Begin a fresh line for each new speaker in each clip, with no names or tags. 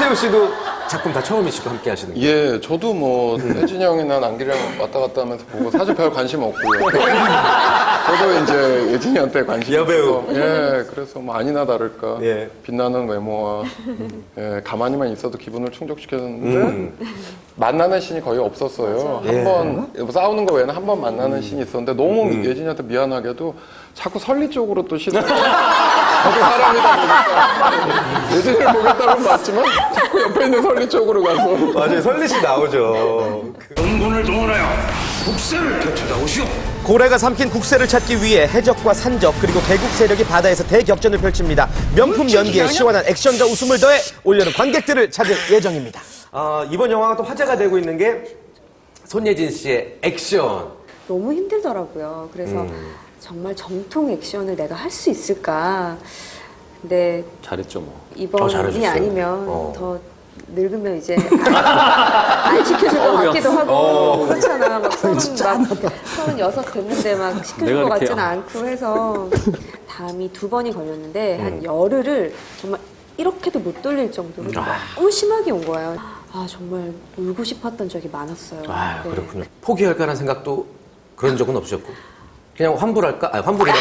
김태우 씨도 작품 다 처음이시고 함께 하시는 거예요?
예, 저도 뭐 혜진이 형이나 남기랑 왔다 갔다 하면서 보고 사실 별 관심 없고요. 저도 이제 예진이한테 관심이
여배우.
있어서 예, 그래서 뭐 아니나 다를까
예.
빛나는 외모와 예, 가만히만 있어도 기분을 충족시켰는데 만나는 씬이 거의 없었어요.
예.
한 번 싸우는 거 외에는 한 번 만나는 씬이 있었는데 너무 예진이한테 미안하게도 자꾸 설리 쪽으로 또 시선. 저도 사람이다 보니까 예진이를 보겠다는 맞지만 자꾸 옆에 있는 설리 쪽으로 가서
맞아요. 설리 씨 나오죠.
연군을 동원하여 국세를 되찾아오시오.
고래가 삼킨 국세를 찾기 위해 해적과 산적 그리고 개국 세력이 바다에서 대격전을 펼칩니다. 명품 연기에 시원한 액션과 웃음을 더해 올여름 관객들을 찾을 예정입니다.
이번 영화가 또 화제가 되고 있는 게 손예진 씨의 액션.
너무 힘들더라고요. 그래서 정말 정통 액션을 내가 할 수 있을까. 근데
잘했죠 뭐.
이번이
잘하셨어요.
아니면 더 늙으면 이제 안 시켜줄 것 같기도 하고 그렇잖아. 막 36 됐는데 막 시켜줄
내가
것
이렇게
같지는 않고 해서 담이 2번이 걸렸는데 한 열흘을 정말 이렇게도 못 돌릴 정도로 너무 심하게 온 거예요. 아 정말 울고 싶었던 적이 많았어요.
아,
네.
그렇군요. 포기할까라는 생각도 그런 적은 없으셨고. 그냥 환불할까? 아니, 환불이라.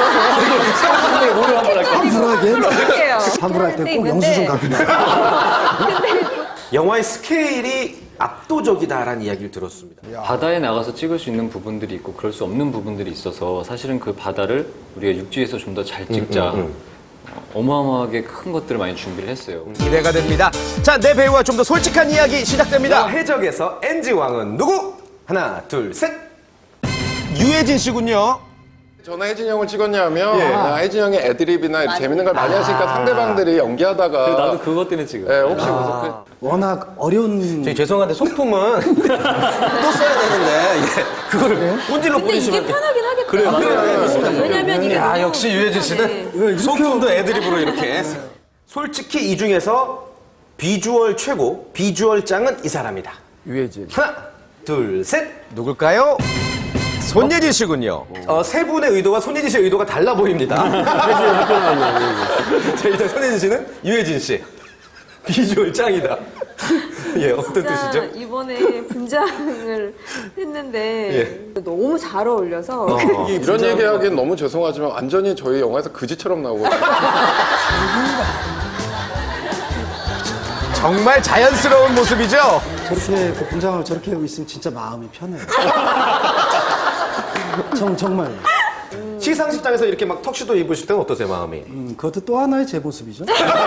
그럴게요.
환불할 때 꼭
있는데
영수증 갖고
영화의 스케일이 압도적이다라는 이야기를 들었습니다.
바다에 나가서 찍을 수 있는 부분들이 있고 그럴 수 없는 부분들이 있어서 사실은 그 바다를 우리가 육지에서 좀 더 잘 찍자. 어마어마하게 큰 것들을 많이 준비를 했어요.
기대가 됩니다. 자, 내 배우와 좀 더 솔직한 이야기 시작됩니다.
영화 해적에서 NG 왕은 누구? 하나, 둘, 셋.
유해진 씨군요.
저는 혜진이 형을 찍었냐면
예.
혜진이 형이 애드립이나 이렇게 재밌는 걸 많이 하시니까 상대방들이 연기하다가
나도 그것 때문에 지금.
예, 혹시 그래서
워낙 어려운
저희 죄송한데 소품은 또 써야 되는데 이게 그거를 본질로
근데 이게
뿌리시면
편하긴 하겠다.
그래요.
왜냐면 이게
야,
너무-
역시 유해진 씨는 소품도 애드립으로 이렇게. 솔직히 이 중에서 비주얼 최고, 비주얼 짱은 이 사람이다.
유해진.
하나, 둘, 셋.
누굴까요? 손예진 씨군요.
세 분의 의도와 손예진 씨의 의도가 달라 보입니다. 자, 일단 손예진 씨는 유해진 씨. 비주얼 짱이다. 예, 어떤
진짜
뜻이죠?
이번에 분장을 했는데 너무 잘 어울려서
이런 얘기하기엔 너무 죄송하지만 완전히 저희 영화에서 그지처럼 나오거든요.
정말 자연스러운 모습이죠?
저렇게 그 분장을 저렇게 하고 있으면 진짜 마음이 편해요. 정말.
시상식장에서 이렇게 막 턱시도 입으실 때는 어떠세요, 마음이?
그것도 또 하나의 제 모습이죠.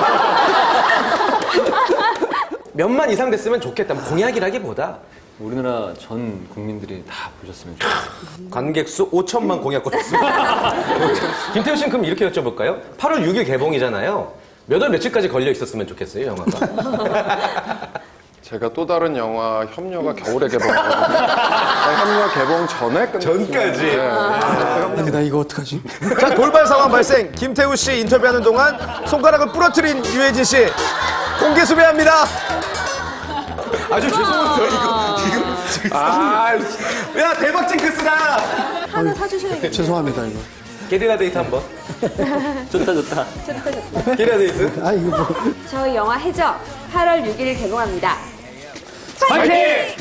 몇만 이상 됐으면 좋겠다. 뭐 공약이라기보다
우리나라 전 국민들이 다 보셨으면 좋겠어요.
관객 수 5천만 공약 걸었습니다. 김태우 씨는 그럼 이렇게 여쭤볼까요? 8월 6일 개봉이잖아요. 몇 월 며칠까지 걸려 있었으면 좋겠어요, 영화가?
제가 또 다른 영화 협녀가 겨울에 개봉하거든요. 협녀 개봉 전에 끝났어요.
전까지?
근데 나 이거 어떡하지?
자, 돌발 상황 발생. 김태우 씨 인터뷰하는 동안 손가락을 부러뜨린 유해진 씨. 공개 수배합니다.
아주 죄송해요, 이거. 지금. 야, 대박 징크스다!
하나 사주셔야겠네요.
죄송합니다, 이거.
게릴라 데이트 한 번.
좋다 좋다.
게릴라 데이트?
아, 이거 뭐.
저희 영화 해적 8월 6일 개봉합니다.
파이팅!